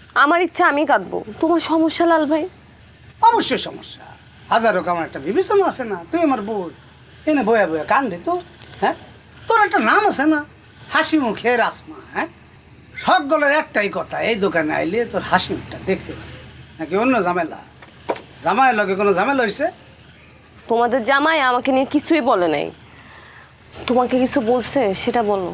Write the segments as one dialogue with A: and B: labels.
A: আমার ইচ্ছা আমি কাঁদবো, তোমার সমস্যা লাল ভাই?
B: অবশ্যই সমস্যা, হাজারো আমার একটা বিবেচনা আছে না। তুই আমার বই এনে বয়া বয়া কানবি তো? হ্যাঁ, তোর একটা নাম আছে না, হাসি মুখে রাসমা। হ্যাঁ, সকলের একটাই কথা, এই দোকানে আইলে তোর হাসি মুখটা দেখতে পারে, নাকি অন্য ঝামেলা? জামাইয়ের লগে কোনো ঝামেলা হয়েছে?
A: তোমাদের জামাই আমাকে নিয়ে কিছুই বলে নাই। তোমাকে কিছু বলছে সেটা বলো।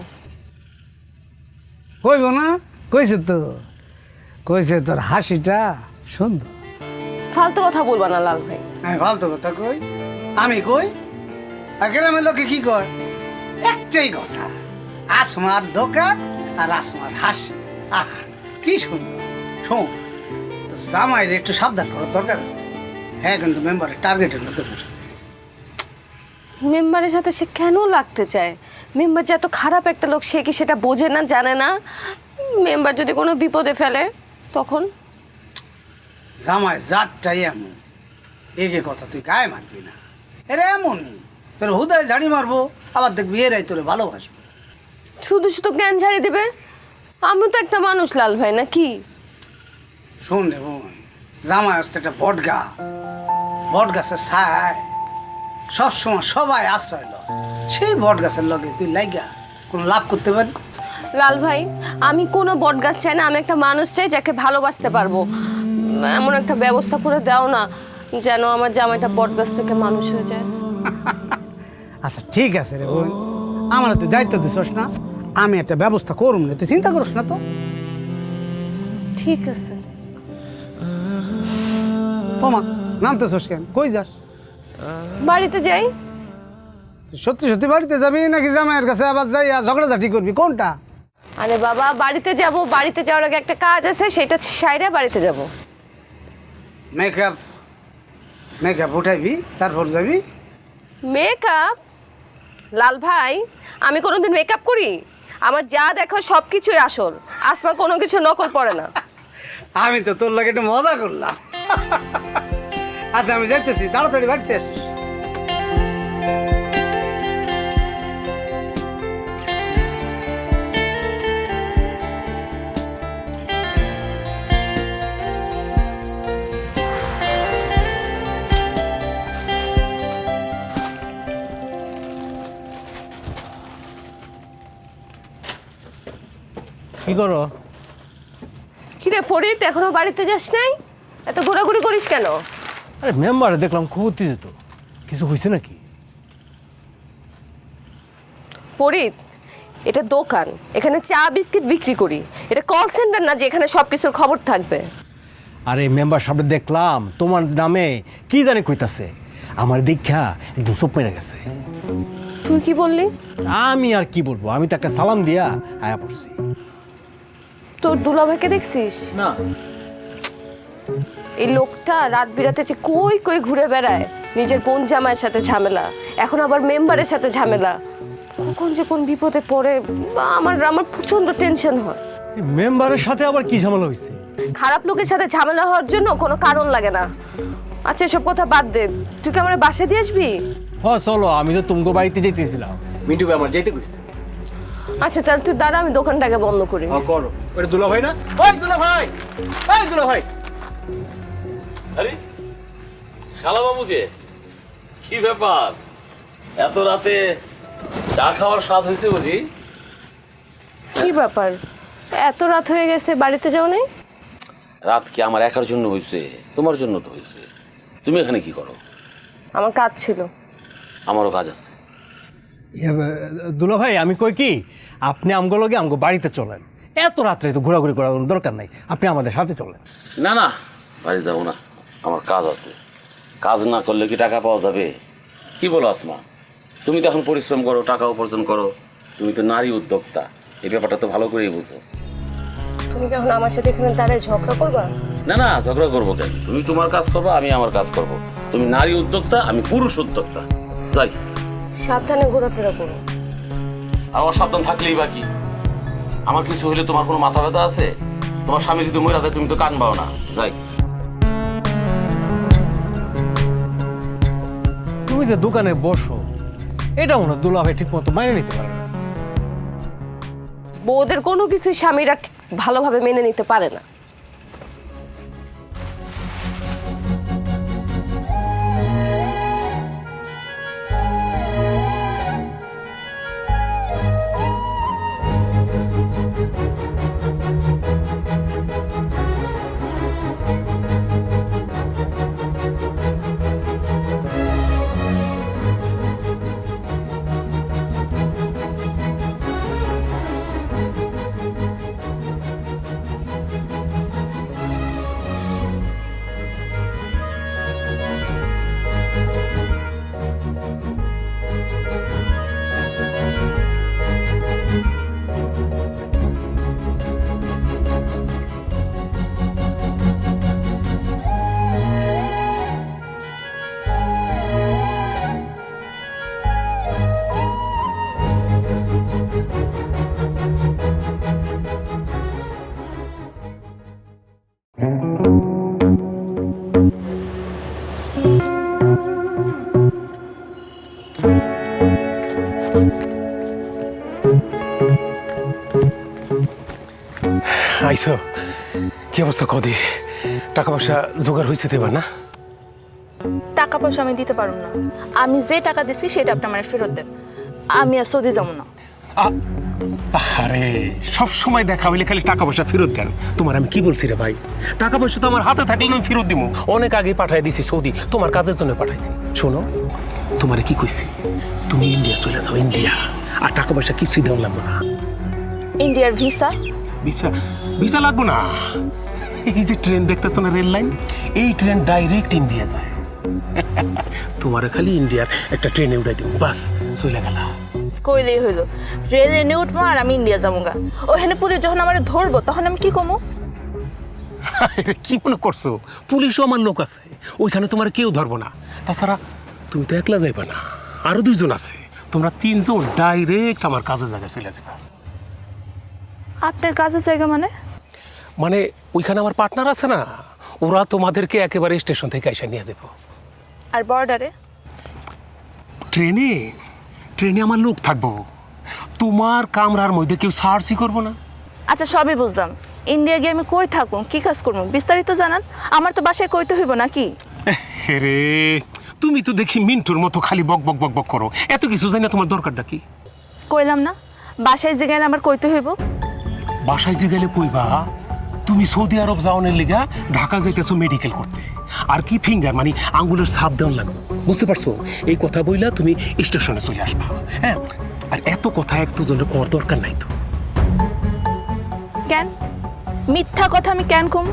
B: কইব না? কইছে তো, কইছে তোর হাসিটা সুন্দর।
A: ফালতু কথা বলবা না লাল ভাই।
B: আমি ফালতু কথা কই? আমি কই? আর গ্রামের লোকে কি কয়? একটাই কথা, আসমার দোকান আর আসমার হাসি। আহা কি সুন্দর। শোন, জামাইরে একটু সাবধান করার দরকার আছে। হ্যাঁ, কিন্তু মেম্বারের টার্গেটের মধ্যে পড়ছে।
A: মেম্বারের সাথে সে কেন লাগতে চায়? মেম্বার যে এত খারাপ একটা লোক, সে কি সেটা বোঝে না, জানে না? মেম্বার যদি কোনো বিপদে ফেলে তখন?
B: জামাই জাতটাই এমন, এগে কথা তুই গায়ে মানবি না। এরা এমনই, তোর হুদায় ঝাড়ি মারবো, আবার দেখবি এরাই তোরে ভালোবাসবো।
A: শুধু শুধু জ্ঞান ঝাড়ি দিবে? আমিও তো একটা মানুষ লাল ভাই, না কি?
B: শোন রে বোন, জামাই আসতে একটা বট গাছ, বট গাছের ছায় সবসময় সবাই আশ্রয় লয়। সেই বট গাছের লগে তুই লাইগা কোনো লাভ করতে পারবি?
A: লাল ভাই, আমি কোনো বট গাছ চাই না, আমি একটা মানুষ চাই যাকে ভালোবাসতে পারবো। এমন একটা ব্যবস্থা করে দাও না যেন আমার জামাইটা বট গাছ থেকে মানুষ হয়ে যায়।
B: আচ্ছা ঠিক আছে রে বোন, আমার তুই দায়িত্ব দিছস না, আমি একটা ব্যবস্থা করুম না, তুই চিন্তা করিস না তো।
A: ঠিক আছে।
B: তোমা নামতেছস কেন? কই যাস?
A: বাড়িতে যাই।
B: তুই সত্যি সত্যি বাড়িতে যাবি নাকি জামাইয়ের কাছে আবার যাই ঝগড়াঝাটি করবি? কোনটা?
A: আরে বাবা, বাড়িতে যাব, বাড়িতে যাওয়ার আগে একটা কাজ আছে, সেটা সাইডে বাড়িতে যাব।
B: মেকআপ মেকআপ উঠাইবি তারপর যাবি?
A: মেকআপ? লাল ভাই, আমি কোনোদিন মেকআপ করি? আমার যা দেখো সব কিছুই আসল, আসমা কোনো কিছু নকল পড়ে না।
B: আমি তো তোর লাগে একটু মজা করলাম। আচ্ছা আমি যাইতেছি, তাড়াতাড়ি বাড়িতে আসিস।
C: কি করো?
A: কিরে ফরিদ, এখনো বাড়িতে যাস নাই? এত ঘোরাঘুরি করিস কেন?
C: আরে মেম্বারে দেখলাম খুব উত্তেজিত, কিছু হয়েছে নাকি?
A: ফরিদ, এটা দোকান, এখানে চা বিস্কিট বিক্রি করি। এটা কল সেন্টার না যে এখানে সব কিছুর খবর থাকবে।
C: আরে মেম্বার সামনে দেখলাম তোমার নামে কি জানি কইতাছে, আমার দীক্ষা একদম চোপ মেরে গেছে।
A: তুই কি বললি?
C: আমি আর কি বলবো, আমি তো একটা সালাম দিয়া আয়া পড়ছি।
A: তোর দুলাভাইকে দেখছিস?
C: না।
A: এই লোকটা রাত বিরাতে যে কই কই ঘুরে বেড়ায়, নিজের বোন জামাইয়ের সাথে ঝামেলা, এখন আবার মেম্বারের সাথে ঝামেলা। কখন যে কোন বিপদে পড়ে, আমার আমার প্রচন্ড টেনশন হয়।
C: মেম্বারের সাথে আবার কি ঝামেলা হয়েছে?
A: খারাপ লোকের সাথে ঝামেলা হওয়ার জন্য কোনো কারণ লাগে না। আচ্ছা এসব কথা বাদ দে, তুই কি আমার বাসায় দিয়ে আসবি?
C: হ্যাঁ চলো, আমি তো তুমগো বাড়িতে যেতেছিলাম, মিন্টু ভাই আমার যেতে কইছে।
A: আচ্ছা তাহলে তুই দাঁড়া, আমি দোকানটাকে বন্ধ করি।
C: হ্যাঁ করো। ওটা দুলা ভাই না? ওই দুলা ভাই, এই দুলা ভাই।
D: আরে শালা বাবু যে, কি ব্যাপার, এত রাতে চা খাওয়ার স্বাদ হয়েছে বুঝি?
A: কি ব্যাপার, এত রাত হয়ে গেছে, বাড়িতে যাও নাই?
D: রাত কি আমার একার জন্য হয়েছে? তোমার জন্য তো হয়েছে। তুমি এখানে কি করো?
A: আমার কাজ ছিল।
D: আমারও কাজ আছে।
C: দুলা ভাই আমি কই কি, আপনি আমগো লগে আমগো বাড়িতে চলেন, এত রাত্রে তো ঘোরাঘুরি করার কোনো দরকার নাই, আপনি আমাদের সাথে চলেন।
D: না না, বাড়ি যাবো না, আমার কাজ আছে। কাজ না করলে কি টাকা পাওয়া যাবে? কি বলো আসমা, তুমি তো এখন পরিশ্রম করো, টাকা উপার্জন করো, তুমি তো নারী উদ্যোক্তা, এই ব্যাপারটা তো ভালো করেই বুঝো।
A: তুমি কি এখন আমার সাথে এখানে দাঁড়ায় ঝগড়া করবা?
D: না না, ঝগড়া করবো কেন? তুমি তোমার কাজ করবো, আমি আমার কাজ করব। তুমি নারী উদ্যোক্তা, আমি পুরুষ উদ্যোক্তা। যাই।
A: সাবধানে ঘোরাফেরা করো।
D: আর অসাবধান থাকলেই বাকি, আমার কিছু হইলে তোমার কোনো মাথা ব্যথা আছে? তোমার স্বামী যদি মরে যায় তুমি তো কান পাও না। যাই।
C: তুমি যে দোকানে বসো, এটা মনে হয় দুলা ভাই ঠিক মতো মাইনে নিতে পারে না।
A: বউদের কোনো কিছুই স্বামীরা ভালোভাবে মেনে নিতে পারে না।
E: আইসো কি অবস্থা কদি টাকা পয়সা জোগাড় হয়েছে দেবা না?
F: টাকা পয়সা আমি দিতে পারবো না। আমি যে টাকা দিচ্ছি সেটা আপনি আমার ফেরত দেন। আমি আর সৌদি যাবো না।
E: আরে সব সময় দেখা হইলে খালি টাকা পয়সা ফেরত দেন। তোমার আমি কি বলছি রে ভাই, টাকা পয়সা তো আমার হাতে থাকলে আমি ফেরত দিব। অনেক আগে পাঠাই দিছি সৌদি, তোমার কাজের জন্য পাঠাইছি। শোনো, তোমারে কি কইছি, তুমি ইন্ডিয়া চলে যাও, ইন্ডিয়া। আর টাকা পয়সা কিছুই দেওয়া লাগবে না।
F: ইন্ডিয়ার ভিসা?
E: ভিসা ভিসা লাগবো না। এই যে ট্রেন দেখতেছো না, রেল লাইন, এই ট্রেন ডাইরেক্ট ইন্ডিয়া যায়। তোমারে খালি ইন্ডিয়ার একটা ট্রেনে উঠাই দিব, বাস চলে গেলা।
F: কইলেই হইলো, রেলে নিয়ে উঠবো আর আমি ইন্ডিয়া যাবো গা। ওখানে পুলিশ যখন আমার ধরবো তখন আমি কি কমো?
E: কি মনে করছো, পুলিশও আমার লোক আছে, ওইখানে তোমার কেউ ধরবো না। তাছাড়া তুমি তো একলা যাইবা না, আরো 2 জন আছে। তোমরা 3 জন ডাইরেক্ট আমার কাজের জায়গায় চলে যাবে।
F: আপনার কাজের জায়গা মানে?
E: মানে ওইখানে আমার পার্টনার আছে না, ওরা তোমাদেরকে একেবারে স্টেশন থেকে এসে নিয়ে যাবো।
F: আর বর্ডারে?
E: ট্রেনে ট্রেনে আমার লোক থাকবো, তোমার কামরার মধ্যে কেউ সার্চই করবো না।
F: আচ্ছা সবই বুঝলাম, ইন্ডিয়া গিয়ে আমি কই থাকুন, কি কাজ করবো বিস্তারিত জানান। আমার তো বাসায় কইতে হইব নাকি?
E: রে তুমি তো দেখি মিন্টুর মতো খালি বক বক বক বক করো, এত কিছু জানি না, তোমার দরকারটা কি?
F: কইলাম না, বাসায় যে গেলে আমার কইতে হইব।
E: বাসায় যে গেলে কইবা তুমি সৌদি আরব যাওয়ানোর লিগা ঢাকা যাইতেছো মেডিকেল করতে, আর কি ফিঙ্গার মানে আঙ্গুলের ছাপ দেওয়ান লাগবে, বুঝতে পারছো? এই কথা বইলা তুমি স্টেশনে চলে আসবা। হ্যাঁ, আর এত কথা একজনের কর দরকার নাই তো।
F: কেন মিথ্যা কথা আমি কেন কম?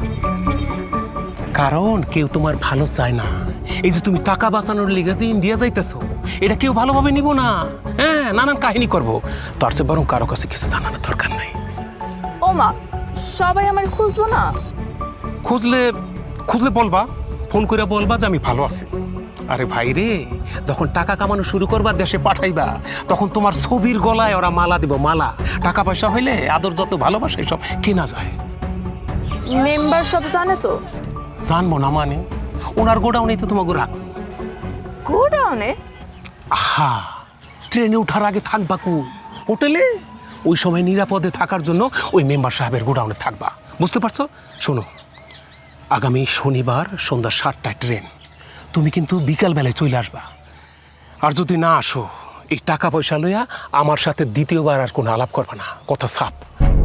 E: কারণ কেউ তোমার ভালো চায় না। এই যে তুমি টাকা বাঁচানোর লিগে যে ইন্ডিয়া যাইতেছো, এটা কেউ ভালোভাবে নিব না। হ্যাঁ, নানান কাহিনী করবো, তার চেয়ে বরং কারো কাছে কিছু জানানোর দরকার নাই।
F: ও মা, সবাই আমার খুঁজবো না?
E: খুঁজলে খুঁজলে বলবা, ফোন করে বলবা যে আমি ভালো আছি। আরে ভাই রে, যখন টাকা কামানো শুরু করবা, দেশে পাঠাইবা, তখন তোমার ছবির গলায় ওরা মালা দিব, মালা। টাকা পয়সা হইলে আদর যত ভালোবাসা সব কেনা যায়।
F: মেম্বার সব জানে তো?
E: জানবো না মানে, ওনার গোডাউনেই তো তোমাকে রাখ।
F: গোডাউনে?
E: আহা, ট্রেনে ওঠার আগে থাকবা কো হোটেলে, ওই সময় নিরাপদে থাকার জন্য ওই মেম্বার সাহেবের গোডাউনে থাকবা, বুঝতে পারছো? শোনো, আগামী শনিবার সন্ধ্যা 7টায় ট্রেন, তুমি কিন্তু বিকালবেলায় চলে আসবা। আর যদি না আসো, এই টাকা পয়সা লইয়া আমার সাথে দ্বিতীয়বার আর কোনো আলাপ করবা না, কথা সাপ।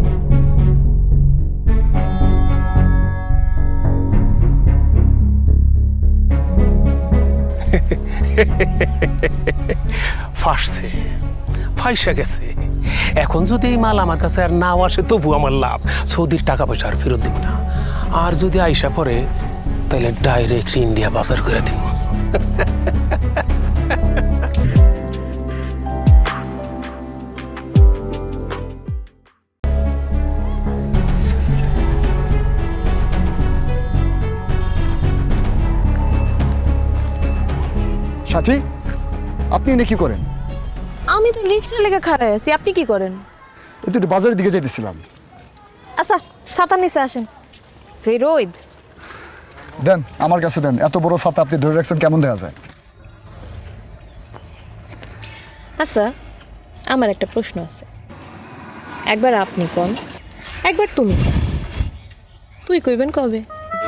E: ফাঁসছে, ফাইসা গেছে। এখন যদি এই মাল আমার কাছে আর নাও আসে, তবু আমার লাভ, সৌদির টাকা পয়সা আর ফেরত দিব না। আর যদি আইসা পরে, তাহলে ডাইরেক্ট ইন্ডিয়া বাজার করে দিব।
G: সাথী, আপনি এনে কি করেন?
H: আমি তো রিক্সা লেগে খাড়াই আছি, আপনি কি করেন?
G: এই তো একটু বাজারের দিকে যাইতেছিলাম।
H: আচ্ছা ছাতার নিচে আসেন, সেই রোদ।
G: দেন, আমার কাছে দেন। এত বড় ছাতা আপনি ধরে রাখছেন, কেমন দেখা যায়?
H: আচ্ছা, আমার একটা প্রশ্ন আছে। একবার আপনি কোন, একবার তুমি কোন। তুই কইবেন কবে?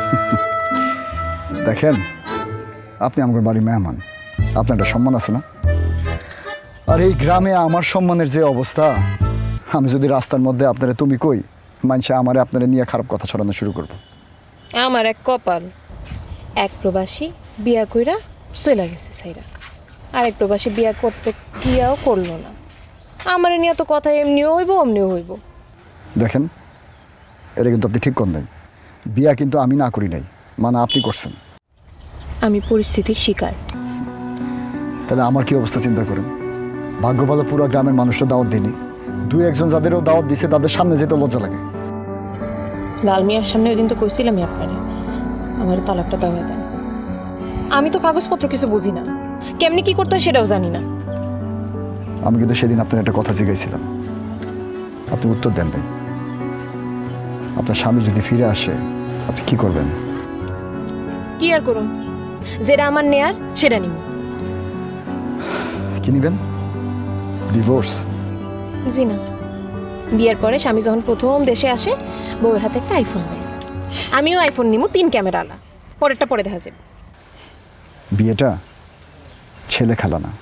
G: দেখেন, আপনি আমার বাড়ির মেহমান, আপনার একটা সম্মান আছে না? আর এই গ্রামে আমার সম্মানের যে অবস্থা, আমি যদি রাস্তার মধ্যে আপনারা তুমি কই, মানুষে আমারে আপনারা নিয়ে খারাপ কথা ছড়ানো শুরু করবো।
H: আমার এক কপাল, এক প্রবাসী বিয়া কইরা চলে গেছে সাইরা, আর এক প্রবাসী বিয়া করতে কিয়াও করলো না। আমার নিয়ে তো কথা এমনিও হইব অমনিও হইব।
G: দেখেন, এটা কিন্তু আপনি ঠিক করেন নাই। বিয়া কিন্তু আমি না করি নাই, মানে আপনি করছেন।
H: আমি পরিস্থিতির শিকার।
G: তাহলে আমার কি অবস্থা চিন্তা করেন। ভাগ্য ভালো পুরো গ্রামের মানুষরা দাওয়াত দেয়নি, 2-1 জন যাদেরও দাওয়াত দিছে তাদের সামনে যেতে লজ্জা লাগে।
H: লাল মিয়ার সামনে ওই দিন তো কইছিলামই আপনারে, আমার তালাকটা দেওয়া দেন। আমি তো কাগজপত্র কিছু বুঝি না, কেমনি কি করতে হয় সেটাও জানি না।
G: আমি কিন্তু সেদিন আপনার একটা কথা জিজ্ঞাসিলাম, আপনি উত্তর দেন নাই। আপনার স্বামী যদি ফিরে আসে, আপনি কি করবেন?
H: কি আর করুন, যেটা আমার নেয়ার সেটা নিব।
G: কি নিবেন? ডিভোর্স?
H: জি না, বিয়ের পরে স্বামী যখন প্রথম দেশে আসে বউয়ের হাতে একটা আইফোন দেয়। আমিও আইফোন নিমু 3 ক্যামেরাওয়ালা, পরেরটা পরে দেখা যাবে।
G: বিয়েটা ছেলে খেলা না।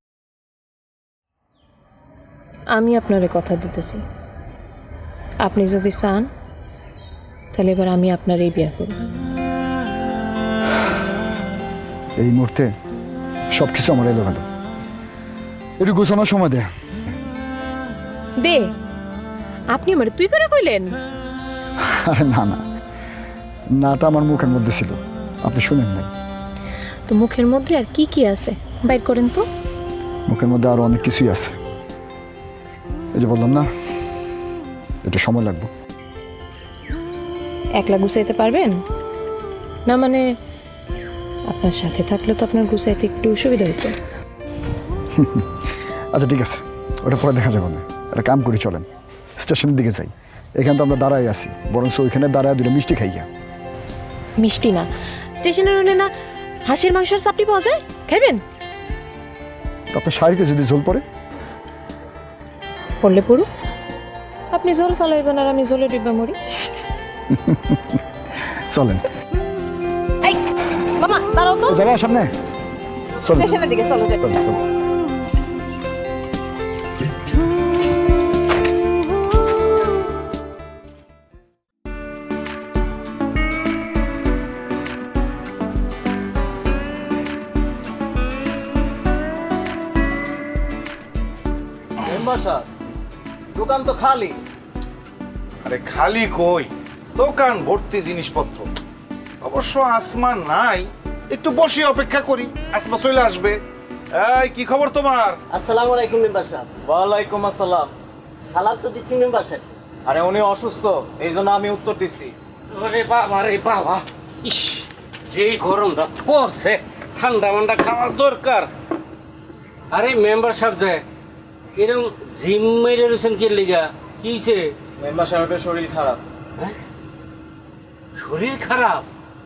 H: আমি আপনারে কথা দিতেছি, আপনি যদি চান তাহলে এবার আমি আপনারই বিয়ে করব।
G: এই মুহূর্তে সব কিছু আমার এলোমেলো, একটু গোছানোর সময় দে।
H: দে, আপনি আমার তুই করে কইলেন?
G: আরে না না, নাটা আমার মুখের মধ্যে ছিল, আপনি শুনেন নাই।
H: তো মুখের মধ্যে আর কি কি আছে বাইর করেন তো।
G: মুখের মধ্যে আরো অনেক কিছুই আছে, এই যে বললাম না একটু সময় লাগবে।
H: একলা গুছাইতে পারবেন না? মানে আপনার সাথে থাকলে তো আপনার গুছাইতে একটু সুবিধা হতো।
G: আচ্ছা ঠিক আছে, ওটা পরে দেখা যাবে না। একটা কাম করি, চলেন স্টেশনের দিকে যাই। এখানে তো আমরা দাঁড়াই আছি, বরং ওইখানে দাঁড়ায় দুটো মিষ্টি খাইয়া।
H: মিষ্টি না, স্টেশনের হলে না হাঁসের মাংসের চাপড়ি পাওয়া যায়, খাইবেন?
G: তো আপনার শাড়িতে যদি ঝোল পড়ে?
H: পড়লে পড়ুক, আপনি ঝোল ফালাইবেন আর আমি ঝোলে ডিব্বা মরি।
G: চলেন।
H: এই মামা দাঁড়াও তো,
G: যাবা সামনে, চলেন।
H: স্টেশনের দিকে চলো।
G: চলেন, চলেন।
I: দোকান তো খালি।
J: আরে খালি কই, দোকান ভর্তি জিনিসপত্র। অবশ্য আসমা নাই, একটু বসে অপেক্ষা করি, আসমা চলে আসবে। এই কি খবর তোমার?
I: আসসালামু আলাইকুম মেম্বার সাহেব। ওয়ালাইকুম আসসালাম। সালাম তো দিচ্ছি মেম্বার সাহেব। আরে উনি অসুস্থ, এই জন্য আমি উত্তর দিচ্ছি।
K: আরে বাবা রে বাবা, ইস যেই গরমটা পড়ছে, ঠান্ডা মান্ডা খাওয়ার দরকার। আরে মেম্বার সাহেব যে এরকম জিম মেরে রয়েছেন কি লিগা? কি হয়েছে?
I: মেম্বার সাহেবের শরীর খারাপ।
K: হ্যাঁ? শরীর খারাপ?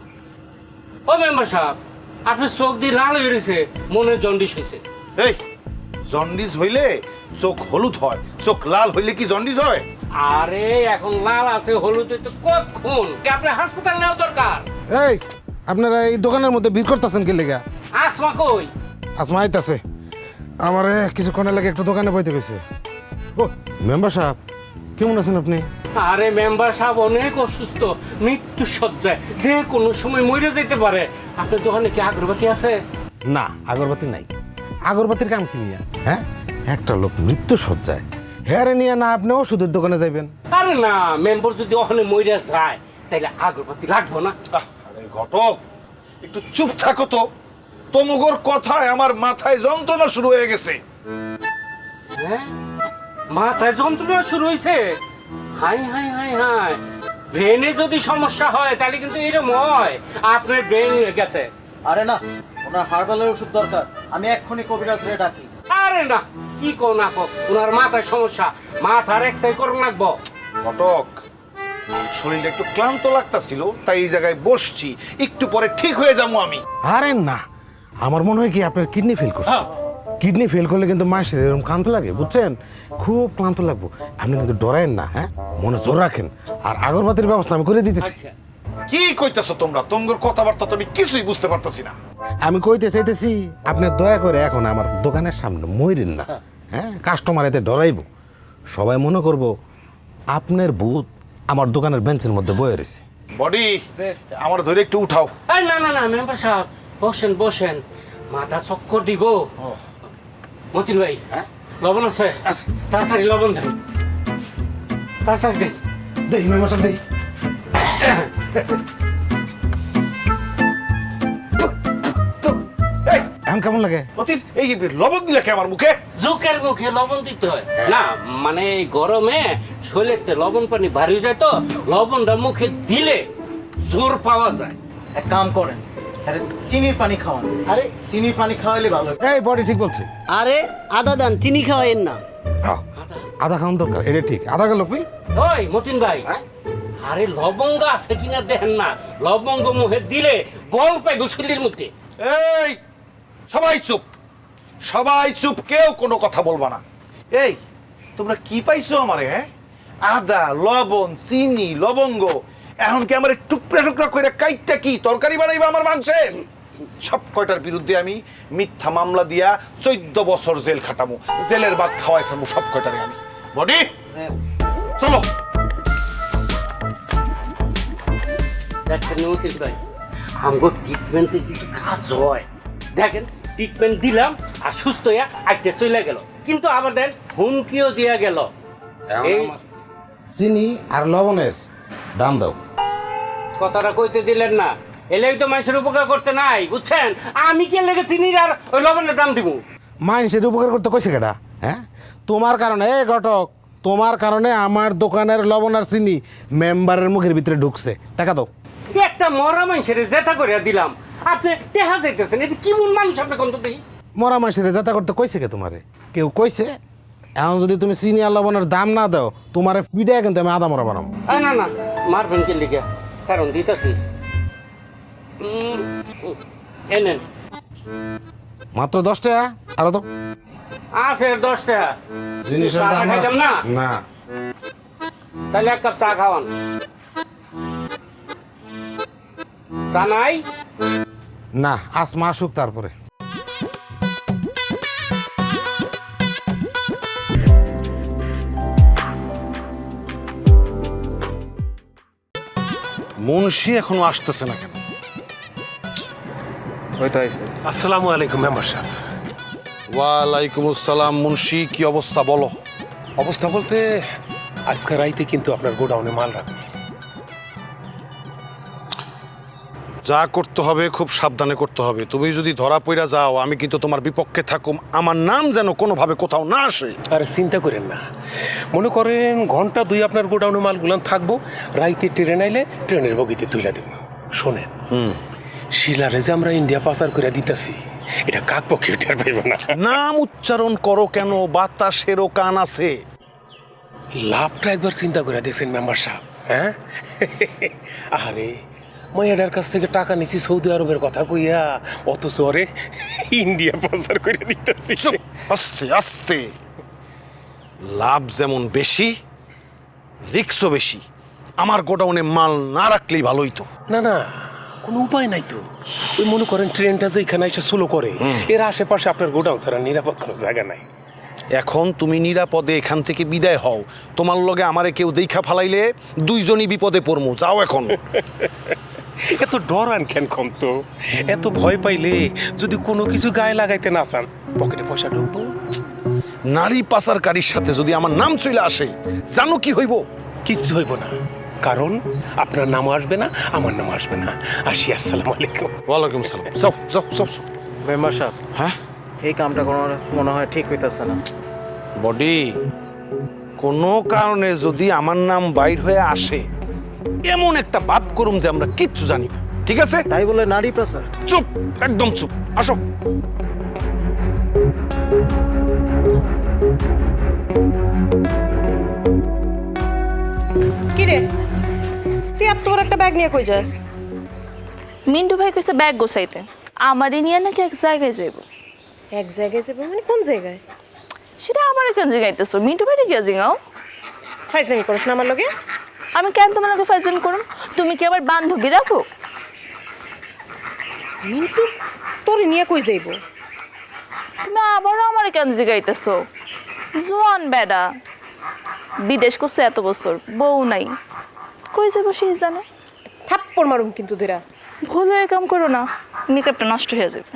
K: ও মেম্বার সাহেব, আপনার চোখ দিয়ে লাল হয়ে রয়েছে, মনে জন্ডিস হয়েছে।
J: এই জন্ডিস হইলে চোখ হলুদ হয়, চোখ লাল হইলে কি জন্ডিস হয়?
K: আরে এখন লাল আছে, হলুদ তো কতক্ষণ, আপনার হাসপাতাল নেওয়া দরকার।
J: এই আপনারা এই দোকানের মধ্যে ভিড় করতেছেন কি লেগা?
K: আসমা কই?
J: আসমা আইতাছে, আমারে কিছুক্ষণের লাগে একটু দোকানে পাইতে গেছে। ও মেম্বার সাহেব, কেমন আছেন আপনি?
K: আরে মেম্বার সাহেব অনেক অসুস্থ, মৃত্যু সজ্জায়, যে কোনো সময় মরে যেতে পারে। আপনার দোকানে কি আগরবাতি আছে?
J: না, আগরবাতি নাই। আগরবাতির কাম কি নিয়ে? হ্যাঁ, একটা লোক মৃত্যু সজ্জায়, হেয়ারে নিয়ে না আপনি ওষুধের দোকানে যাইবেন?
K: আরে না, মেম্বার যদি ওখানে মরে যায় তাহলে আগরবাতি লাগবো না।
J: আরে ঘটক, একটু চুপ থাকো তো। তোমগোর কথায় আমার মাথায় যন্ত্রণা শুরু হয়ে গেছে।
K: হ্যাঁ, মাথায় যন্ত্রণা শুরু হয়েছে? হাই হাই হাই হাই, ব্রেনে যদি সমস্যা হয় তাহলে কিন্তু এরকম হয়। আপনার ব্রেন গেছে।
I: আরে না, ওনার হার্বালের ওষুধ দরকার। আমি এক্ষুনি কবিরাজ রে ডাকি।
K: আরে না, কি কো না কো, ওনার মাথায় সমস্যা, মাথার এক্সরে করুন লাগবো।
J: ঘটক, শরীরটা একটু ক্লান্ত লাগতাছিল, তাই এই জায়গায় বসছি, একটু পরে ঠিক হয়ে যাবো আমি। আরে না, আমার মনে হয় কি আপনার কিডনি ফেল করছে। কিডনি ফেল করলে কিন্তু মাসের এরকম ক্লান্ত লাগে, বুঝছেন? খুব ক্লান্ত লাগবো। আপনি কিন্তু ডরায়েন না, হ্যাঁ, মনে জোর রাখেন। আর আগরবাতির ব্যবস্থা আমি করে দিতেছি। কি কইতেছো তোমরা? তোমার কথাবার্তা তো আমি কিছুই বুঝতে পারতেছি না। আমি কইতে চাইতেছি, আপনি দয়া করে এখন আমার দোকানের সামনে মইরেন না, হ্যাঁ? কাস্টমার এতে ডরাইব, সবাই মনে করব আপনার ভূত আমার দোকানের বেঞ্চের মধ্যে বয়ে রয়েছে। বডি, আমার ধরে একটু উঠাও।
K: না না না মেম্বার সাহেব, বসেন বসেন, মাথা চক্কর দিব। মতিন ভাই, লবণ আছে? তাড়াতাড়ি লবণ দেন, তাড়াতাড়ি দেন।
J: দেখি মেম্বার সাহেব, দেখি। এখন কেমন লাগে? অতীত এই লবণ দিলে কে আমার মুখে?
K: জোকের মুখে লবণ দিতে হয় না, মানে এই গরমে শরীরে লবণ পানি ভারী যায় তো, লবণটা মুখে দিলে জোর পাওয়া যায়।
I: এক কাম করেন, আরে চিনির পানি খাওয়ান। আরে চিনির পানি খাওয়াইলে ভালো।
J: এই বডি ঠিক বলছে।
I: আরে আদা দান, চিনি খাওয়াইন না।
J: হ্যাঁ, আধা খাওয়ান দরকার, এটা ঠিক। আধা গেল কই?
K: ওই মতিন ভাই, আরে লবঙ্গ আছে কিনা দেখেন না, লবঙ্গ মুখে দিলে বল পাইব শরীরের মধ্যে।
J: এই সবাই চুপ, সবাই চুপ, কেউ কোনো কথা বলবা না। এই তোমরা কি পাইছো আমারে? হ্যাঁ, আদা লবণ চিনি লবঙ্গ এখন কি আমার টুকরা টুকরা করে কাইটটা কি তরকারি বানাইবা আমার মাংসের? সব কয়টার বিরুদ্ধে আমি মিথ্যা মামলা দিয়া 14 বছর জেল খাটামু, জেলের ভাত খাওয়াইছামু সব কয়টারে আমি। বডি চলো।
K: দেখছেন উকিল ভাই, আমগো ট্রিটমেন্টে কিছু কাজ হয়। দেখেন ট্রিটমেন্ট দিলাম আর সুস্থ হইয়া আইতে চলে গেল, কিন্তু আবার দেন হুমকিও দিয়া গেল। এই
J: চিনি আর লবণের দাম দাও।
K: কথাটা কইতে দিলেন না, এলেই তো মানুষের উপকার করতে নাই, বুঝছেন? আমি কে লেগে চিনি আর ওই লবণের দাম দিব?
J: মানুষের উপকার করতে কইছে কেডা? হ্যাঁ, তোমার কারণে এই ঘটক, তোমার কারণে আমার দোকানের লবণ আর চিনি মেম্বারের মুখের ভিতরে ঢুকছে। টাকা দাও।
K: একটা মরা মানুষের জেতা করে দিলাম, আপনি টেহা যাইতেছেন। এটা কি মন মানুষ আপনি কন্ত দেই?
J: মরা মানুষের যাতা করতে কইছে কে তোমারে? কেউ কইছে? এখন যদি তুমি চিনি আর লবণের দাম না দাও তোমারে পিড়ে কিন্তু আমি আদা মরা বানাবো।
K: না না, মারবেন কে লিখে? কারণ দিতেছি। এনেন
J: মাত্র 10 টাকা। আরো তো
K: আছে 10 টাকা।
J: জিনিসের
K: চা
J: দাম
K: খাইতাম না?
J: না।
K: তাহলে এক কাপ চা খাওয়ান। চা নাই?
J: না, আসমা আসুক তারপরে। মুন্সি এখনো আসতেছে না কেন?
I: হয়তো আইছে।
E: আসসালামু আলাইকুম মেম্বার সাহেব।
J: ওয়ালাইকুম আসসালাম। মুন্সি কি অবস্থা বলো?
E: অবস্থা বলতে আজকে রাইতে কিন্তু আপনার গোডাউনে মাল রাখবে।
J: যা করতে হবে খুব সাবধানে করতে হবে। তুমি যদি ধরা পড়া যাও আমি কিন্তু তোমার বিপক্ষে থাকুম, আমার নাম যেন কোনোভাবে কোথাও না আসে।
E: আরে চিন্তা করেন না, মনে করেন ঘন্টা 2 আপনার গোডাউনে মালগুলান থাকবো, রাইতে ট্রেন আইলে ট্রেনের বগিতে তুইলা দেব। শোনেন, শিলারে যে আমরা ইন্ডিয়া পাচার করে দিতেছি এটা কাক পক্ষে টের পাইব না।
J: নাম উচ্চারণ করো কেন? বাতাসেরও কান আছে।
E: লাভটা একবার চিন্তা করে দেখছেন মেম্বার সাহেব? হ্যাঁ, আরে মাইয়াডার কাছ থেকে টাকা নিছি সৌদি আরবের কথা কইয়া, অথচ ওরে ইন্ডিয়া পাচার করে দিতেছি।
J: আস্তে আস্তে। লাভ যেমন বেশি রিস্কও বেশি। আমার গোডাউনে মাল না রাখলেই ভালোই তো।
E: না না, কোনো উপায় নাই তো। ওই মনে করেন ট্রেনটা যে এখানে এসে স্লো করে, এর আশেপাশে আপনার গোডাউন ছাড়া নিরাপদ কোনো জায়গা নাই।
J: এখন তুমি নিরাপদে এখান থেকে বিদায় হও। তোমার লগে আমারে কেউ দেখা ফালাইলে দুইজনই বিপদে পড়মু। যাও এখন।
E: এত ডর আন কেন কম তো? এত ভয় পাইলে যদি কোনো কিছু গায়ে লাগাইতে না চান, পকেটে পয়সা ঢুকবো।
J: নারী পাচারকারীর সাথে যদি আমার নাম চলে আসে, জানো কি হইব?
E: কিচ্ছু হইব না, কারণ আপনার নামও আসবে না, আমার নাম আসবে না। আসি, আসসালামু আলাইকুম।
J: ওয়ালাইকুম সালাম। যাও যাও যাও।
I: মেম্বার সাহেব,
J: হ্যাঁ,
I: এই কামটা কোনো মনে হয় ঠিক হইতাছে না।
J: বডি, কোনো কারণে যদি আমার নাম বাইর হয়ে আসে, এমন একটা বাদ করুম যে আমরা কিচ্ছু জানি না। ঠিক আছে?
I: তাই বলে নারী পাচার?
J: চুপ, একদম চুপ। আসো।
H: কি রে, তুই এত বড় একটা ব্যাগ নিয়ে কই যাস?
F: মিন্টু ভাই কইছে ব্যাগ গোছাইতে, আমারই নিয়ে নাকি এক জায়গায় যাইব।
H: এক জায়গায় যাবো মানে কোন জায়গায়?
F: সেটা আমার কেন জিগাইতেছো? মিন্টু ভাই কি জিগাও?
H: ফাইজলামি করছ না আমার লগে?
F: আমি কেন তোমার লগে ফাইজলামি করুম? তুমি কি আবার বান্ধবী রাখো?
H: মিন্টু তোর নিয়ে কই যাইব?
F: তুমি আবারও আমার কেন জিগাইতেছো? জোয়ান বেডা, বিদেশ করছে এত বছর, বউ নাই, কই যাবো সেই জানে।
H: থাপ্পড় মারুম কিন্তু তোরা।
F: ভুল হয়ে কাম করো না, মেকআপটা নষ্ট হয়ে যাবে।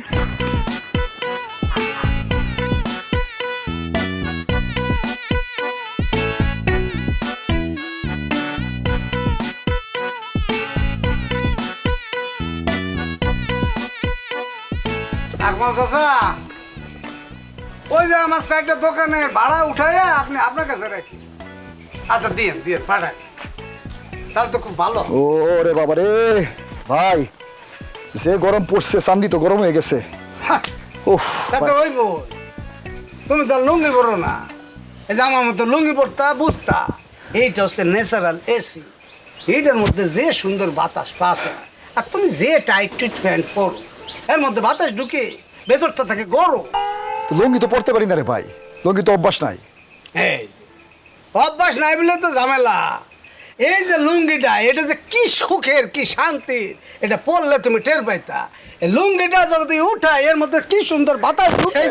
B: আকমাল চাচা, ওই যে আমার সাইডের দোকানে ভাড়া উঠাইয়া আপনি আপনার কাছে রাখি। আচ্ছা দিয়ে দিয়ে পাঠাই, তাহলে তো খুব ভালো।
G: ও রে বাবা রে ভাই, যে গরম পড়ছে চান্দি তো গরম হয়ে গেছে। উফ,
B: তাতে ওই বই, তুমি তো লুঙ্গি পরো না, এই যে আমার মতো লুঙ্গি পরতা বুঝতা। এইটা হচ্ছে ন্যাচারাল এসি, এইটার মধ্যে যে সুন্দর বাতাস পাশে, আর তুমি যে টাইট টুইট প্যান্ট পরো এর মধ্যে বাতাস ঢুকে ভেতরটা থাকে গরম।
G: তো লুঙ্গি তো পড়তে পারি না রে ভাই, লুঙ্গি তো অভ্যাস নাই।
B: এই যে অভ্যাস নাই বলে তো ঝামেলা। এই যে লুঙ্গিটা, এটা যে কি সুখের কি শান্তির, এটা পরলে তুমি টের পাইতা। এই লুঙ্গিটা যদি উঠা, এর মধ্যে কি সুন্দর বাতাস ঢুকে।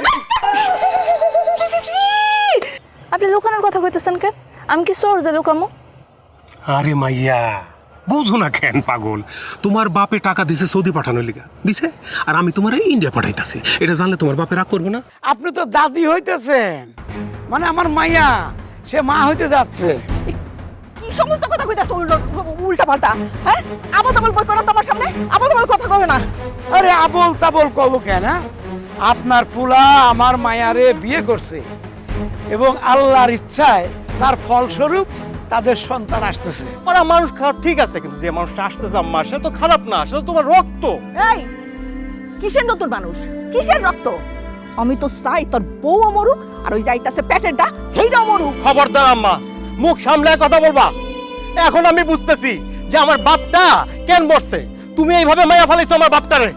F: আপনি লুকানোর কথা কইতেছেন কেন? আমি কি চোর যে লুকামো?
E: আরে মাইয়া, বুঝো না কেন পাগল? তোমার বাপে টাকা দিছে সৌদি পাঠানোর লিগা দিছে, আর আমি তোমার ইন্ডিয়া পাঠাইতাছি। এটা জানলে তোমার বাপে রাগ করবে না?
L: আপনি তো দাদি হইতেছেন, মানে আমার মাইয়া সে মা হইতে যাচ্ছে।
M: কি সমস্ত কথা কইতাছ উল্টা পাল্টা? হ্যাঁ, আবল তাবল বই করো তোমার সামনে, আবল তাবল কথা কবে না।
L: আরে আবল তাবল কব কেন? আপনার পুলা আমার মায়ারে বিয়ে করছে এবং আল্লাহর ইচ্ছায় তার ফলস্বরূপ তাদের সন্তান আসতেছে।
C: ওরা মানুষ খারাপ ঠিক আছে, কিন্তু যে মানুষটা আসতেছে আম্মা, সে তো খারাপ না, সে তো তোমার রক্ত।
M: এই কিসের নতুন মানুষ, কিসের রক্ত? আমি তো চাই তোর বউ মরুক, আর ওই যাইতাছে পেটেরটা হেইটাও মরুক।
C: খবরদার আম্মা, মুখ সামলায় কথা বলবা। এখন আমি বুঝতেছি যে আমার বাপটা কেন মরছে। তুমি এইভাবে মায়া ফেলাইছো আমার বাপটারে।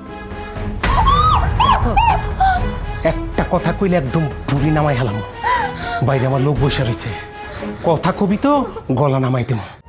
E: একটা কথা কইলে একদম বুড়ি নামাই হেলাম। বাইরে আমার লোক বসে রয়েছে, কথা কবি তো গলা নামাই দেবো।